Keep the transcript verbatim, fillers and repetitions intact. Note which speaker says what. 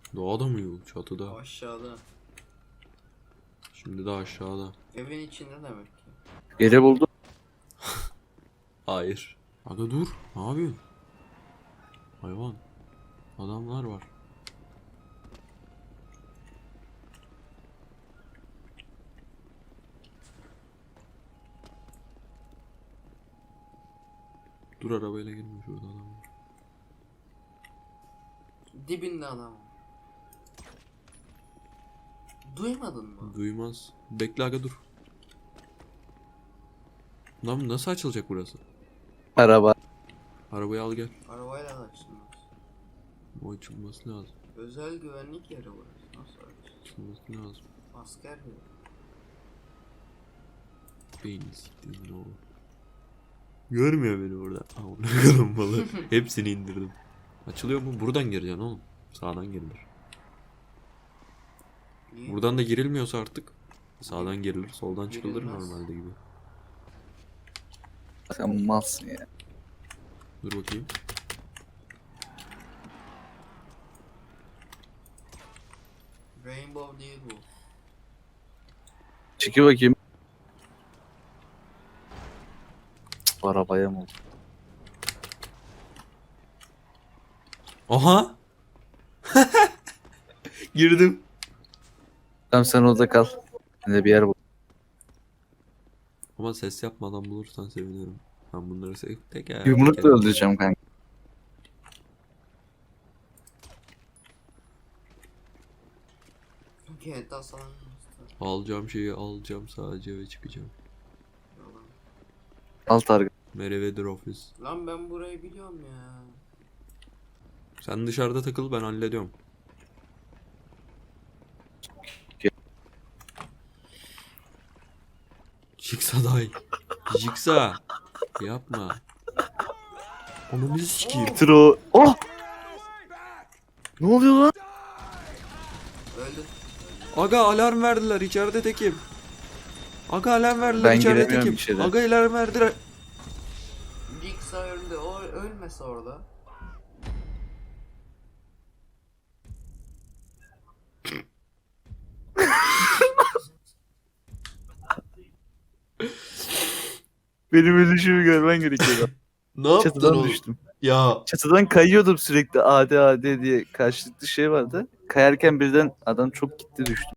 Speaker 1: Doğada mı yok? Çatıda.
Speaker 2: Aşağıda.
Speaker 1: Şimdi de aşağıda.
Speaker 2: Evin içinde demek ki.
Speaker 3: Yeri buldum.
Speaker 1: Hayır. Aga dur. Ne yapıyorsun? Hayvan. Adamlar var. Dur arabayla girme, şurada adam var.
Speaker 2: Dibinde adam. Duymadın mı?
Speaker 1: Duymaz. Bekle aga dur. Lan nasıl açılacak burası?
Speaker 3: Araba.
Speaker 1: Arabayı al gel.
Speaker 2: Arabayla da açılmaz.
Speaker 1: O açılması lazım.
Speaker 2: Özel güvenlik yeri burası. Nasıl açılır?
Speaker 1: Açılması lazım.
Speaker 2: Asker gibi.
Speaker 1: Beyni siktiğimin oğlu. Görmüyor beni burada. Amına kadın balı. Hepsini indirdim. Açılıyor mu? Buradan gireceksin oğlum. Sağdan girilir.
Speaker 2: Niye?
Speaker 1: Buradan da girilmiyorsa artık sağdan girilir, soldan çıkılır
Speaker 2: Girilmez.
Speaker 1: normalde gibi.
Speaker 3: Sen malsın ya.
Speaker 1: Dur bakayım.
Speaker 2: Rainbow değil bu.
Speaker 3: Çeki bakayım. Cık, arabaya mı oldu?
Speaker 1: Aha! Girdim.
Speaker 3: Tamam sen orada kal. Ben de bir yer bul.
Speaker 1: Ama ses yapmadan bulursan sevinirim. Ben bunları se- teker
Speaker 3: Yumrukla
Speaker 1: teker-
Speaker 3: öldüreceğim kanka.
Speaker 2: G T A San Andreas'ta.
Speaker 1: Alacağım şeyi alacağım sadece ve çıkacağım.
Speaker 2: Yalan.
Speaker 3: Al target.
Speaker 1: Meriwether Office.
Speaker 2: Lan ben burayı biliyorum ya.
Speaker 1: Sen dışarıda takıl, ben hallediyorum. Jigsaw dahil. Jigsaw. Yapma. Onu biz sikeyim.
Speaker 3: Bitir o. Oh! Ne oluyor lan?
Speaker 2: Öldü.
Speaker 1: Aga alarm verdiler, içeride tekim. Aga alarm verdiler,
Speaker 3: Ben
Speaker 1: içeride
Speaker 3: giremiyorum
Speaker 1: tekim.
Speaker 3: içeri.
Speaker 1: Aga alarm verdiler.
Speaker 2: Jigsaw öldü. O ölmese orada.
Speaker 3: Benim ölüşümü görmen gerekiyor.
Speaker 1: Ne yaptın
Speaker 3: Çatıdan
Speaker 1: oğlum?
Speaker 3: düştüm.
Speaker 1: Ya
Speaker 3: Çatıdan kayıyordum sürekli. A D A D diye karşılıklı şey vardı. Kayarken birden adam çok gitti düştü.